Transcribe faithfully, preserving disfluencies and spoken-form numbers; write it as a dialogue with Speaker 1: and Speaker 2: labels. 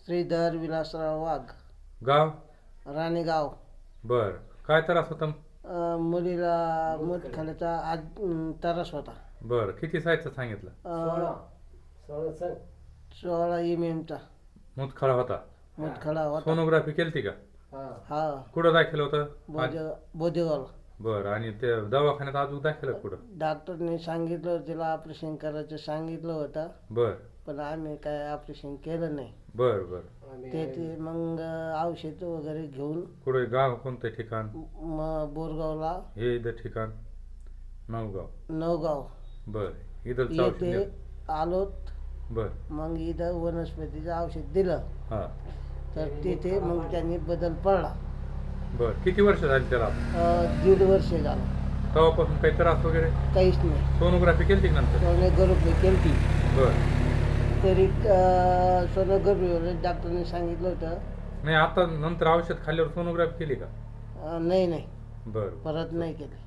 Speaker 1: श्रीधर विलासराव वाघ,
Speaker 2: गाव?
Speaker 1: राणेगाव.
Speaker 2: बर. काय त्रास होता?
Speaker 1: अं, मुलीला मूतखड्याचा आज अं, त्रास होता.
Speaker 2: बर. किती साईजचा सांगितलं?
Speaker 1: अं, सोळा एम एमचा
Speaker 2: मूतखडा होता.
Speaker 1: मूतखडा होता.
Speaker 2: सोनोग्राफी केलती का?
Speaker 1: हा,
Speaker 2: कुठं दाखल होतं?
Speaker 1: बोधे बोधेगावला.
Speaker 2: बर. आणि ते दवाखान्यात अजून दाखल आहे कुठं?
Speaker 1: डॉक्टरने सांगितलं तिला ऑपरेशन करायचं सांगितलं होतं,
Speaker 2: बर
Speaker 1: पण आम्ही काय ऑपरेशन केलं नाही.
Speaker 2: बर बर.
Speaker 1: ते ते मग औषध वगैरे घेऊन
Speaker 2: कुठे गाव? कोणतं ठिकाण?
Speaker 1: मग बोरगावला,
Speaker 2: हे इथं ठिकाण? नवगाव.
Speaker 1: नवगाव
Speaker 2: बर. इथं औषध
Speaker 1: येथे
Speaker 2: दिलं?
Speaker 1: आलोत.
Speaker 2: बर.
Speaker 1: मग इथं वनस्पतीचं औषध दिलं,
Speaker 2: हा.
Speaker 1: तर तिथे मग त्यांनी बदल पडला.
Speaker 2: बर. किती वर्ष झाली त्याला?
Speaker 1: अं, दीड वर्ष झालं,
Speaker 2: तेव्हापासून काही त्रास वगैरे?
Speaker 1: काहीच नाही.
Speaker 2: सोनोग्राफी केली नंतर?
Speaker 1: सोनोग्राफी केली,
Speaker 2: बर.
Speaker 1: तरी सोनोग्राफी डॉक्टरने सांगितलं होतं.
Speaker 2: नाही, आता नंतर औषध खाल्ल्यावर सोनोग्राफी केली का?
Speaker 1: अं, नाही नाही,
Speaker 2: बर.
Speaker 1: परत नाही केली.